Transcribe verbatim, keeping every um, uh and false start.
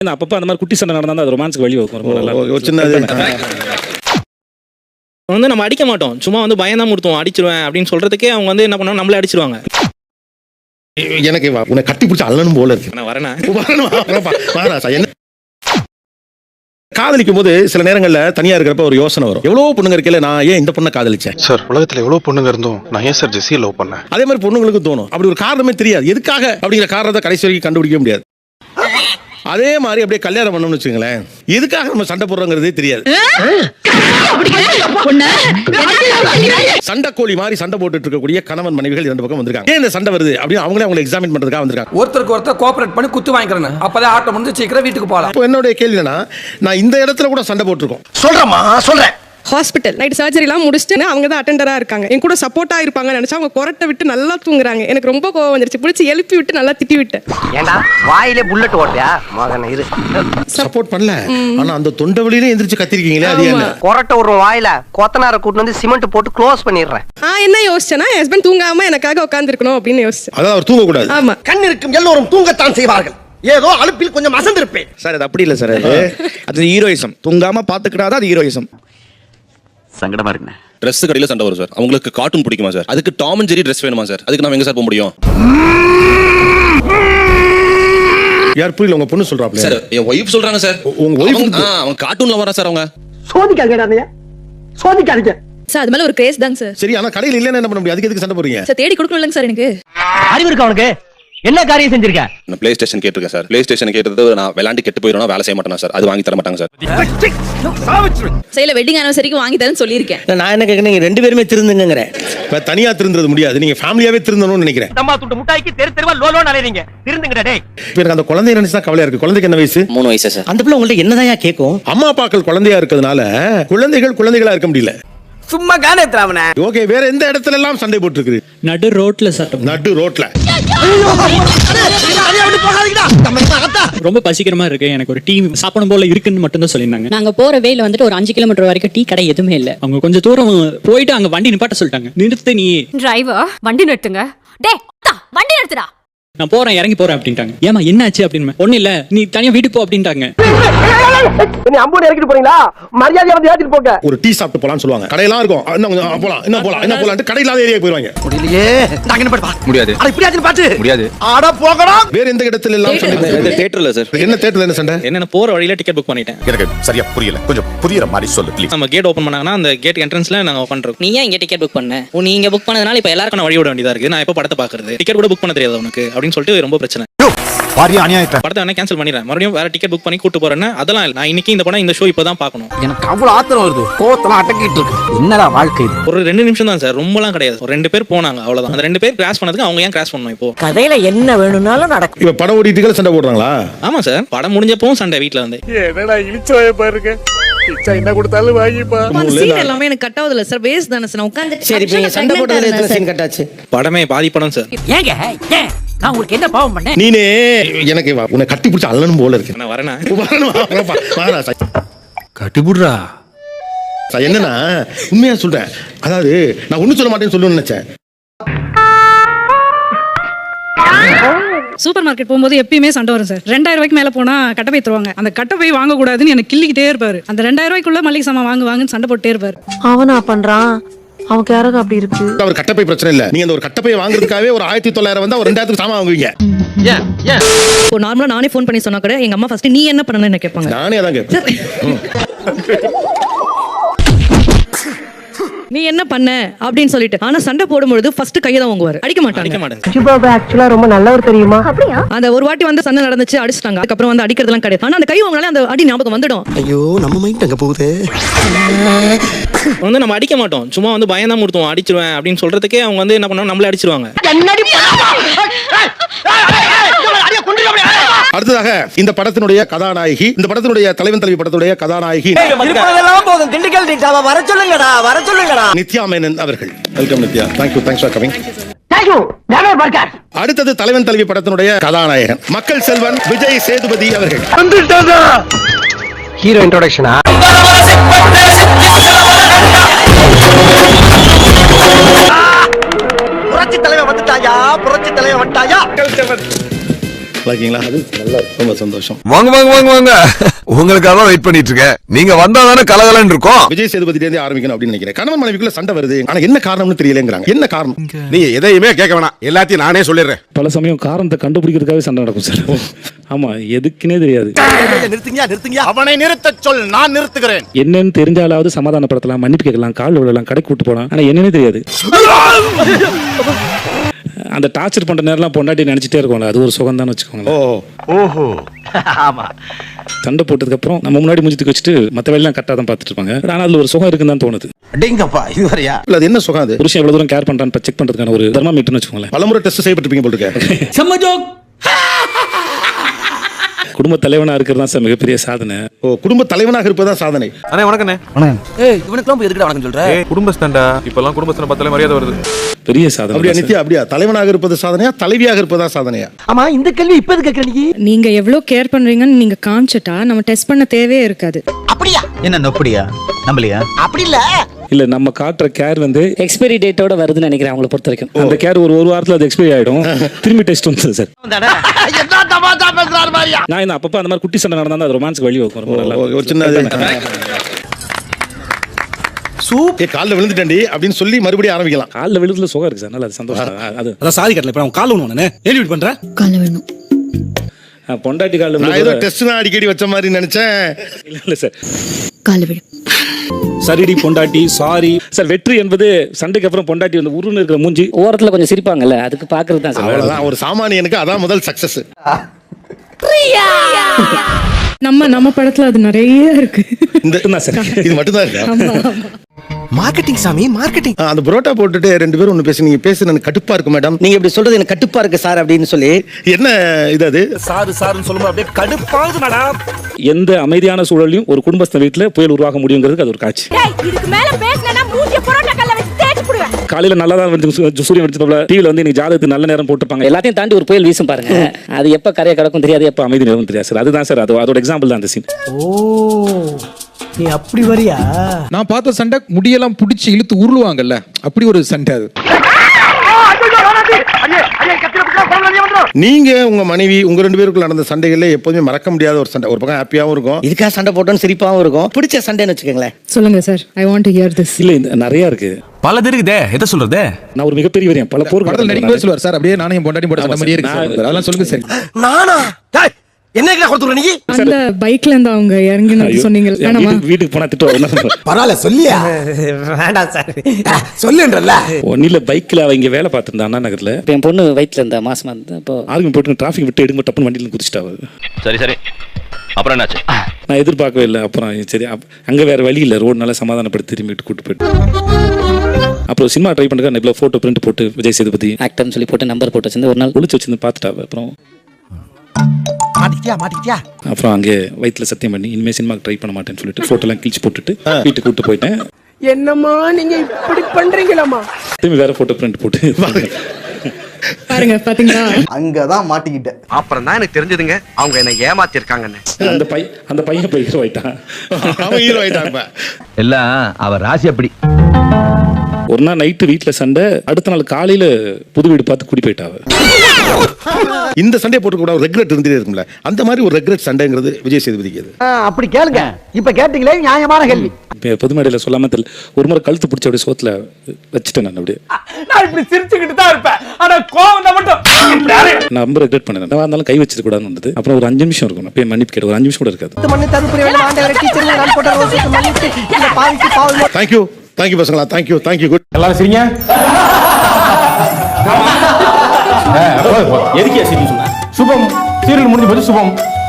அப்பப்போ அந்த மாதிரி குட்டி சண்டை நடந்தா அது ரொமான்ஸ்க்கு வழி வைக்கும். ரொம்ப நல்லா ஒரு சின்னது வந்து நம்ம அடிக்க மாட்டோம், சும்மா வந்து பயம் தான் முடுத்துவோம், அடிச்சிருவேன் அப்படின்னு சொல்றதுக்கே அவங்க வந்து என்ன பண்ணுவாங்க, நம்மளே அடிச்சிருவாங்க. எனக்கு உன்னை கட்டி பிடிச்ச அல்லணும் போல இருக்கு. நான் வரேனா என்ன காதலிக்கும் போது சில நேரங்கள்ல தனியா இருக்கிறப்ப ஒரு யோசனை வரும், எவ்வளவு பொண்ணுங்க இருக்கல, நான் ஏன் இந்த பொண்ணை காதலிச்சேன் சார்? உலகத்துல எவ்வளவு பொண்ணுங்க இருந்தோம், நான் ஏன் சார் ஜெஸியை லவ் பண்ணேன்? அதே மாதிரி பொண்ணுங்களுக்கு தோணும். அப்படி ஒரு காரணமே தெரியாது, எதுக்காக அப்படிங்கிற காரணத்தை கடைசி வரைக்கும் கண்டுபிடிக்க முடியாது. அதே மாதிரி அப்படியே கல்யாணம் பண்ணணும்னு வச்சுங்களேன், எதுக்காக நம்ம சண்டை போடுறோங்கிறதே தெரியாது. சண்டை கோழி மாதிரி சண்டை போட்டுட்டு இருக்கக்கூடிய கணவன் மனைவிகள் இரண்டு பக்கம் வந்திருக்காங்க. ஏன் இந்த சண்டை வருது அப்படின்னு அவங்களே அவங்களை எக்ஸாமின் பண்றதுக்காக வந்திருக்காங்க. ஒருத்தருக்கு ஒருத்தர் கோஆபரேட் பண்ணி குத்து வாங்கிக்கிறேன், அப்பதான் ஆட்டம் முடிஞ்சு சீக்கிரம் வீட்டுக்கு போகலாம். இப்போ என்னுடைய கேள்வி என்னன்னா, நான் இந்த இடத்துல கூட சண்டை போட்டிருக்கோம். சொல்றேமா சொல்றேன். ஹாஸ்பிட்டல் நைட் சர்ஜரிலாம் முடிச்சுட்டு அவங்க தான் அட்டெண்டரா இருக்காங்க, என் கூட சப்போர்ட்டா இருப்பாங்கன்னு நினைச்சா அவங்க கொரட்டை விட்டு நல்லா தூங்குறாங்க. எனக்கு ரொம்ப கோவம் வந்துருச்சு, பிடிச்சி எழுப்பி விட்டு நல்லா திட்டி விட்டேன். ஏண்டா வாயிலே புல்லட் ஓட்டியா மகன் இரு. சப்போர்ட் பண்ணல, ஆனா அந்த தொண்டை வழியில எந்திரிச்சு கத்திருக்கீங்களே, அது என்ன? கொரட்டை ஒரு வாயில கொத்தனார கூட்டு வந்து சிமெண்ட் போட்டு க்ளோஸ் பண்ணிடுறேன். நான் என்ன யோசிச்சேன்னா, என் ஹஸ்பண்ட் தூங்காம எனக்காக உட்காந்துருக்கணும் அப்படின்னு யோசிச்சேன். அதான் அவர் தூங்க கூடாது. ஆமா, கண் இருக்கும் எல்லோரும் தூங்கத்தான் செய்வார்கள், ஏதோ அலுப்பில் கொஞ்சம் அசந்திருப்பேன். சார் அது அப்படி இல்லை சார், அது அது ஹீரோயிசம். தூங்காம பாத்துக்கிட்டாதான் அது ஹீரோயிசம். சங்கடமா இருக்குண்ணே. ட்ரெஸ் கடையில சண்டை வரும் சார், அவங்களுக்கு கார்ட்டூன் பிடிக்குமா சார், அதுக்கு டாம் அண்ட் ஜெரி ட்ரெஸ் வேணுமா சார், அதுக்கு நாம எங்க சார் போக முடியும்? யார் புரியல, உங்க பொண்ணு சொல்றாப்ல சார், என் ஒய்ஃப் சொல்றாங்க சார். உங்க ஒய்ஃப் அவங்க கார்ட்டூன்ல வரா சார், அவங்க சோதிக்காதீங்க சோதிக்காதீங்க சார். அது மேல ஒரு கிரேஸ் தாங்க சார். சரி, ஆனா கடையில இல்லன்னா என்ன பண்ண முடியும்? அதுக்கு எதுக்கு சண்டை போடுறீங்க சார்? தேடி கொடுக்கணும்லங்க சார். எனக்கு அறிவு இருக்கா உனக்கு? என்ன காரியம் செஞ்சிருக்க? நான் பிளே ஸ்டேஷன் கேட்டிருக்கேன் சார். பிளே ஸ்டேஷன் கேட்டது நான் விளையாண்டு கெட்டு போயிடுவேன், வேலை செய்ய மாட்டேன் சார், அது வாங்கி தர மாட்டாங்க சார். சைல வெட்டிங் ஆனிவர்சரிக்கு வாங்கி தரேன்னு சொல்லியிருக்கேன். நான் என்ன கேட்கறேன், நீங்க ரெண்டு பேருமே திருந்துங்கிறேன். இப்ப தனியா திருந்துறது முடியாது, நீங்க ஃபேமிலியாவே திருந்தணும்னு நினைக்கிறேன். தம்மா துண்டு முட்டாய்க்கு தெரு தெருவா லோலோ அலையறீங்க, திருந்துங்கடா டேய். இப்ப எனக்கு அந்த குழந்தைய நினைச்சு தான் கவலையா இருக்கு. குழந்தைக்கு என்ன வயசு? மூணு வயசு சார். அந்த பிள்ளை உங்கள்ட்ட என்னதான் கேட்கும்? அம்மா அப்பாக்கள் குழந்தையா இருக்கிறதுனால குழந்தைகள் குழந்தைகளா இருக்க முடியல. சும்மா கானே திராவனே. ஓகே, வேற எந்த இடத்துல எல்லாம் சண்டை போட்டுருக்கு? நடு ரோட்ல சட்டம். நடு ரோட்ல ரொம்ப பசிக்கிறமா இருக்கு, எனக்கு ஒரு டீ சாப்பிடும் போல இருக்குன்னு மட்டும் தான் சொல்லியிருந்தாங்க. நாங்க போற வேல வந்துட்டு ஒரு அஞ்சு கிலோமீட்டர் வரைக்கும் டீ கடை எதுவுமே இல்ல. அவங்க கொஞ்சம் தூரம் போயிட்டு அங்க வண்டி நிப்பாட்ட சொல்லிட்டாங்க. நிறுத்த நீ டிரைவர் வண்டி நிறுத்துங்க. டேய் வண்டி நிறுத்துடா. நான் போறேன் இறங்கி போறேன் அப்படின்ட்டாங்க. ஏமா என்னாச்சு அப்படின்னு. ஒண்ணு இல்ல, நீ தனியா வீட்டுக்கு போ அப்படின்ட்டாங்க. நீ அம்பூர் இறக்கிட்டு போறீங்களா? மரியாதையா வந்து ஏத்திட்டு போங்க. ஒரு டீ சாப்பிட்டு போலாம்னு சொல்லுவாங்க, கடையெல்லாம் இருக்கும். இன்னும் கொஞ்சம் போலாம், என்ன போலாம், என்ன போலாம்னு கடையிலாத ஏரியா போயிடுவாங்க. முடியலையே, நாங்க என்ன பண்ண முடியாது. அட இப்படி ஆச்சு பாத்து முடியாது. ஆட போகடா. வேற எந்த இடத்துல எல்லாம் சண்டை? தியேட்டர்ல சார். என்ன தியேட்டர்ல என்ன சண்டை? என்ன போற வழியில டிக்கெட் புக் பண்ணிட்டேன். எனக்கு சரியா புரியல, கொஞ்சம் புரியற மாதிரி சொல்லு ப்ளீஸ். நம்ம கேட் ஓபன் பண்ணாங்கன்னா அந்த கேட் என்ட்ரன்ஸ்ல நாங்க பண்றோம். நீ ஏன் இங்க டிக்கெட் புக் பண்ண? நீங்க புக் பண்ணதுனால இப்ப எல்லாருக்கும் வழி விட வேண்டியதா இருக்கு. நான் எப்ப படத்தை பாக்குறது, டிக்கெட் கூட புக் பண்ண தெரியாது உனக்கு அப்படின்னு சொல்லிட்டு ரொம்ப பிரச்சனை. படத்தை வேணா கேன்சல் பண்ணிடுறேன், மறுபடியும் வேற டிக்கெட் புக் பண்ணி கூட்டு போறேன்னு. அதெல்லாம் இல்ல, நான் இன்னைக்கு இந்த படம் இந்த ஷோ இப்பதான் பார்க்கணும். எனக்கு அவ்வளவு ஆத்திரம் வருது, கோவத்தெல்லாம் அடக்கிட்டு இருக்கு. என்னடா வாழ்க்கை இது? ஒரு ரெண்டு நிமிஷம் தான் சார், ரொம்பலாம் கிடையாது. ஒரு ரெண்டு பேர் போனாங்க, அவ்வளவுதான். அந்த ரெண்டு பேர் கிராஸ் பண்ணதுக்கு அவங்க ஏன் கிராஸ் பண்ணணும்? இப்போ கதையில என்ன வேணும்னாலும் நடக்கும். இப்ப படம் ஓடிட்டு சண்டை போடுறாங்களா? ஆமா சார், படம் முடிஞ்சப்பவும் சண்டை வீட்டுல வந்து. என்னடா இழிச்சோய பாருங்க, இச்சா என்ன கொடுத்தாலும் வாங்கிப்பா. சீன் எல்லாமே எனக்கு கட் ஆகுதுல சார், வேஸ்ட் தானே சார். நான் உட்கார்ந்து சரி, இப்ப நீங்க சண்டை போட்டதுல எத்தனை சீன் கட்டாச்சு? படமே பாதி படம் சார். ஏங்க ஏன் நான் உங்களுக்கு என்ன பாவம் பண்ணேன்? நீனே எனக்கு உன்னை கட்டி பிடிச்ச அல்லணும் போல இருக்கு. நான் வரேனா கட்டி புடுறா. என்னன்னா உண்மையா சொல்றேன், அதாவது நான் ஒண்ணும் சொல்ல மாட்டேன்னு சொல்லணும்னு நினைச்சேன். சூப்பர் மார்க்கெட் போகும்போது எப்பயுமே சண்டை வரும் சார். ரெண்டாயிரம் ரூபாய்க்கு மேல போனா கட்டை போய் தருவாங்க. அந்த கட்டை போய் வாங்க கூடாதுன்னு எனக்கு கிள்ளிக்கிட்டே இருப்பாரு. அந்த ரெண்டாயிரம் ரூபாய்க்குள்ள மளிகை சாமான் வாங்க வாங்கன்னு சண்டை போட்டே இருப்பாரு. அவனா பண்றான், அவன் கேரக அப்படி இருக்கு. அவர் கட்டப்பை பிரச்சனை இல்ல, நீங்க அந்த ஒரு கட்டப்பை வாங்குறதுக்காகவே ஒரு ஆயிரத்தி தொள்ளாயிரம் வந்தா ஒரு ரெண்டாயிரத்துக்கு சாமான் வாங்குவீங்க. ஏன் ஏன் இப்போ நார்மலா நானே ஃபோன் பண்ணி சொன்னா கூட எங்க அம்மா ஃபர்ஸ்ட் நீ என்ன பண்ணணும்னு என்ன கேட்பாங்க. நானே அதான் கேட்பேன், நீ என்ன பண்ண அப்படின்னு சொல்லிட்டு. ஆனா சண்டை போடும்போது ஃபர்ஸ்ட் கையை தான் வாங்குவாரு, அடிக்க மாட்டாங்க. அடிக்க மாட்டேன். சிபாபா ஆக்சுவலா ரொம்ப நல்லவர் தெரியுமா? அந்த ஒரு வாட்டி வந்து சண்டை நடந்துச்சு, அடிச்சிட்டாங்க. அதுக்கப்புறம் வந்து அடிக்கிறதுலாம் கிடையாது. ஆனா அந்த கை வாங்கினாலே அந்த அடி ஞாபகம் வந்துடும். ஐயோ, நம்ம மைண்ட் அங்க போகுது. வந்து நம்ம அடிக்க மாட்டோம், சும்மா வந்து பயம் தான் முடுத்துவோம், அடிச்சிருவேன் அப்படின்னு சொல்றதுக்கே அவங்க வந்து என்ன பண்ணுவாங்க, நம்மளே அடிச்சிருவாங்க. அடுத்ததாக இந்த படத்தினுடைய கதாநாயகி, இந்த படத்தினுடைய தலைவன் தலைவி படத்துடைய கதாநாயகி போதும், திண்டுக்கல் டீட்டாவா வர சொல்லுங்கடா, வர சொல்லுங்கடா. நித்யா மேனன் அவர்கள். Welcome Nithya, thank you, thanks for coming. Thank you, never burger. அடுத்தது தலைவன் தலைவி படத்தினுடைய கதாநாயகன் மக்கள் செல்வன் விஜய் சேதுபதி அவர்கள். ஹீரோ இன்ட்ரோடக்ஷனா? புரட்சி தலைவன் வந்துட்டாயா, புரட்சி தலைவன் வந்துட்டாயா. ஓகேங்களா ரொம்ப சந்தோஷம். வாங்க வாங்க வாங்க வாங்க உங்களுக்காக தான் வெயிட் பண்ணிட்டு இருக்கேன். நீங்க வந்தா தானே கலகலன்னு இருக்கும். விஜய் சேதுபதி இருந்து ஆரம்பிக்கணும் அப்படின்னு நினைக்கிறேன். கணவன் மனைவிக்குள்ள சண்டை வருது, ஆனா என்ன காரணம்னு தெரியலங்கிறாங்க. என்ன காரணம்? நீங்க எதையுமே கேட்க வேணாம், எல்லாத்தையும் நானே சொல்லிடுறேன். பல சமயம் காரணத்தை கண்டுபிடிக்கிறதுக்காகவே சண்டை நடக்கும் சார். ஆமா, எதுக்குன்னே தெரியாது. நிறுத்துங்க நிறுத்துங்க. அவனை நிறுத்த சொல், நான் நிறுத்துகிறேன். என்னன்னு தெரிஞ்சாலாவது சமாதானப்படுத்தலாம், மன்னிப்பு கேட்கலாம், கால் விடலாம், கடைக்கு கூட்டு போலாம். ஆனா என்னன்னே தெரியாது. அந்த டார்ச்சர் பண்ற நேரம்லாம் பொண்டாட்டி நினைச்சிட்டே இருக்கும்ல, அது ஒரு சுகம் தான் வச்சுக்கோங்க. ஓஹோ ஆமா. சண்டை போட்டதுக்கு அப்புறம் நம்ம முன்னாடி முடிஞ்சுட்டு வச்சுட்டு மத்த வேலையெல்லாம் கரெக்டா தான் பார்த்துட்டு இருப்பாங்க. ஆனா அதுல ஒரு சுகம் இருக்குன்னு தான் தோணுது. அடேங்கப்பா, இது வரையா? இல்ல அது என்ன சுகம்? அது புருஷன் எவ்வளவு தூரம் கேர் பண்றான்னு செக் பண்றதுக்கான ஒரு தெர்மாமீட்டர்னு வச்சுக்கோங்களேன். பலமுறை டெஸ்ட் செய்யப்பட்டிருப்பீங்க போல இருக்கு. குடும்ப தலைவனா இருக்கிறது தான் சார் மிகப்பெரிய சாதனை. ஓ, குடும்ப தலைவனாக இருப்பதா சாதனை. அண்ணே வணக்கண்ணே. ஏய், இவனுக்குலாம் போய் எதுக்குடா வணக்கம் சொல்ற? குடும்பஸ்தான்டா, இப்பெல்லாம் குடும்பஸ்தான பார்த்தாலே மரியாதை வருது. பெரிய சாதனை. அப்படியா நித்யா? அப்படியா தலைவனாக இருப்பது சாதனையா, தலைவியாக இருப்பதா சாதனையா? ஆமா, இந்த கேள்வி இப்ப எதுக்கு கேக்குற நீ? நீங்க எவ்வளவு கேர் பண்றீங்கன்னு நீங்க காமிச்சிட்டா நம்ம டெஸ்ட் பண்ண தேவையே இருக்காது. அப்படியா? என்ன நொப்படியா? நம்பலையா? அப்படி இல்ல. இல்ல, நம்ம காட்டுற கேர் வந்து எக்ஸ்பைரி டேட்டோட வருதுன்னு நினைக்கிறேன் அவங்கள பொறுத்த வரைக்கும். அந்த கேர் ஒரு ஒரு வாரத்துல அது எக்ஸ்பைரி ஆயிடும், திரும்பி டெஸ்ட் வந்து சார். என்ன தமாஷா பேசுறாரு மாதிரியா? நான் இந்த அப்பப்ப அந்த மாதிரி குட்டி சண்டை நடந்தா அது ரொமான்ஸ்க்கு வழி வைக்கும். ரொம்ப நல்லா ஒரு சின்ன சூப் காலில் விழுந்துட்டேன்டி அப்படின்னு சொல்லி மறுபடியும் ஆரம்பிக்கலாம். காலில் விழுதுல சுகம் இருக்கு சார், நல்லா அது சந்தோஷம். அது அதான் சாரி கட்டல, இப்ப அவன் கால் ஒண்ணு ஏலி விட் பண்ற. கால வேணும். பொண்டாட்டி காலில் நான் ஏதோ டெஸ்ட் தான் அடிக்கடி வச்ச மாதிரி நினைச்சேன். இல்ல இல்ல சார், கால விடும். சரிடி பொண்டாட்டி சாரி சார். வெற்றி என்பது சண்டைக்கு அப்புறம் பொண்டாட்டி வந்து உருன்னு இருக்கிற மூஞ்சி ஓரத்துல கொஞ்சம் சிரிப்பாங்கல்ல, அதுக்கு பாக்குறது தான் சார். அவ்வளவுதான், ஒரு சாமானியனுக்கு அதான் முதல் சக்சஸ். நம்ம நம்ம படத்துல அது நிறைய இருக்கு. இந்த இது மட்டும் தான் இருக்கு. மார்க்கெட்டிங் சாமி, மார்க்கெட்டிங். அந்த புரோட்டா போட்டுட்டு ரெண்டு பேரும் ஒண்ணு பேசி, நீங்க பேசுறது எனக்கு கடுப்பா இருக்கு மேடம். நீங்க இப்படி சொல்றது எனக்கு கட்டுப்பா இருக்கு சார் அப்படின்னு சொல்லி. என்ன இது? அது சாரு சாருன்னு சொல்லும்போது அப்படியே கடுப்பாகுது மேடம். எந்த அமைதியான சூழலையும் ஒரு குடும்பஸ்த வீட்டுல புயல் உருவாக முடியுங்கிறதுக்கு அது ஒரு காட்சி. காலையில நல்லா தான் வந்து சூரியன் வெடிச்சதுல டிவில வந்து இன்னைக்கு ஜாதகத்துக்கு நல்ல நேரம் போட்டுருப்பாங்க. எல்லாத்தையும் தாண்டி ஒரு புயல் வீசும் பாருங்க, அது எப்ப கரையை கடக்கும் தெரியாது, எப்ப அமைதி நேரம் தெரியாது சார். அதுதான் சார், அது அதோட எக்ஸாம்பிள் தான் அந்த சீன். ஓ, நீ அப்படி வரியா? நான் பார்த்த சண்டை முடியெல்லாம் பிடிச்சி இழுத்து உருளுவாங்கல்ல, அப்படி ஒரு சண்டை அது. நீங்க உங்க மனைவி உங்க ரெண்டு பேருக்குள்ள நடந்த சண்டைகள்ல எப்போதுமே மறக்க முடியாத ஒரு சண்டை, ஒரு பக்கம் ஹாப்பியாவும் இருக்கும், இதுக்காக சண்டை போட்டோன்னு சிரிப்பாவும் இருக்கும், பிடிச்ச சண்டைன்னு வச்சுக்கோங்களேன். சொல்லுங்க sir, I want to hear this. இல்ல, இந்த நிறைய இருக்கு, பல இருக்குதே. எதை சொல்றது? நான் ஒரு மிகப்பெரிய வரையன் பல போர் படத்துல நடிக்கும் சொல்லுவார் சார், அப்படியே நானே பொண்டாட்டி போட்ட சண்டை மாதிரியே இருக்கு சார். அதெல்லாம் சொல்லுங்க சார். நானா? டேய், என்ன கொடுத்துற நீ? அந்த பைக்ல இருந்து அவங்க இறங்கினது சொன்னீங்க. வேணாமா? வீட்டுக்கு போனா திட்டுவாங்க. பரவாயில்ல சொல்லியா? வேண்டாம் சார், சொல்லுன்றல. ஒன்னில பைக்ல அவங்க வேலை பார்த்திருந்தா அண்ணா நகர்ல. என் பொண்ணு வயிற்றுல இருந்தா மாசமா இருந்தா, அப்போ ஆர்மி போட்டு டிராஃபிக் விட்டு எடுங்க டப்புன்னு வண்டியில குதிச்சிட்டா. சரி சரி, அப்புறம் என்னாச்சு? நான் எதிர்பார்க்கவே இல்லை. அப்புறம் சரி, அங்க வேற வழி இல்லை, ரோடு நல்லா சமாதானப்படுத்தி திரும்பிட்டு கூட்டு போயிட்டு அப்புறம் சினிமா ட்ரை பண்ணுறேன். இவ்வளோ ஃபோட்டோ பிரிண்ட் போட்டு விஜய் சேதுபதி ஆக்டர்னு சொல்லி போட்டு நம்பர் போட்டு வச்சிருந்து ஒரு நாள் ஒளிச்சு வச்சிருந்து பார்த்துட்டா. அப்புறம் மாட்டிக்கிட்டியா மாட்டிக்கிட்டியா? அப்புறம் அங்கே வயிற்றுல சத்தியம் பண்ணி இனிமேல் சினிமாக்கு ட்ரை பண்ண மாட்டேன்னு சொல்லிட்டு ஃபோட்டோலாம் கிழிச்சு போட்டுட்டு வீட்டுக்கு கூட்டு போயிட்டேன். என்னம்மா நீங்க இப்படி பண்றீங்களாமா? திரும்பி வேற ஃபோட்டோ பிரிண்ட் போட்டு பாருங்க, பாத்தீங்களா? அங்கதான் மாட்டிக்கிட்டேன். அப்புறம் தான் எனக்கு தெரிஞ்சதுங்க அவங்க என்ன ஏமாத்திருக்காங்கன்னு. அந்த பை அந்த பையன் போய் ஹீரோ ஆயிட்டான். அவன் ஹீரோ ஆயிட்டான். எல்லாம் அவர் ராசி அப்படி. ஒரு நாள் நைட்டு வீட்டுல சண்டை, அடுத்த நாள் காலையில புது வீடு பார்த்து குடி போயிட்டாவ. இந்த சண்டை போட்டு கூட ஒரு ரெக்ரெட் இருந்துட்டே இருக்கும்ல, அந்த மாதிரி ஒரு ரெக்ரெட் சண்டைங்கிறது விஜய் சேதுபதிக்கு. அப்படி கேளுங்க, இப்ப கேட்டீங்களே நியாயமான கேள்வி. பொது மேடையில சொல்லாம தெரியல, ஒரு முறை கழுத்து பிடிச்ச அப்படியே சோத்துல வச்சுட்டேன். நான் அப்படியே நான் இப்படி சிரிச்சுக்கிட்டு தான் இருப்பேன், ஆனா கோவம் மட்டும் நான் ரொம்ப ரெக்ரெட் பண்ணேன். நான் இருந்தாலும் கை வச்சிருக்க கூடாதுன்னு வந்தது. அப்புறம் ஒரு அஞ்சு நிமிஷம் இருக்கும், அப்பயே மன்னிப்பு கேட்டு ஒரு அஞ்சு நிமிஷம் கூட இருக்காது. மண்ணு தருப்புரிய வேலை ஆண்டவரே, டீச்சர் நான் போட்ட ரோஸுக்கு மன்னிச்சு இந்த பாவிக்கு பாவம். தேங்க் யூ தேங்க் யூ பசங்களா, thank you thank you. Good. எல்லாரும் சரிங்க. எதுக்கே சரி சொன்ன? சுபம் சீரியல் முடிஞ்சு போச்சு. சுபம்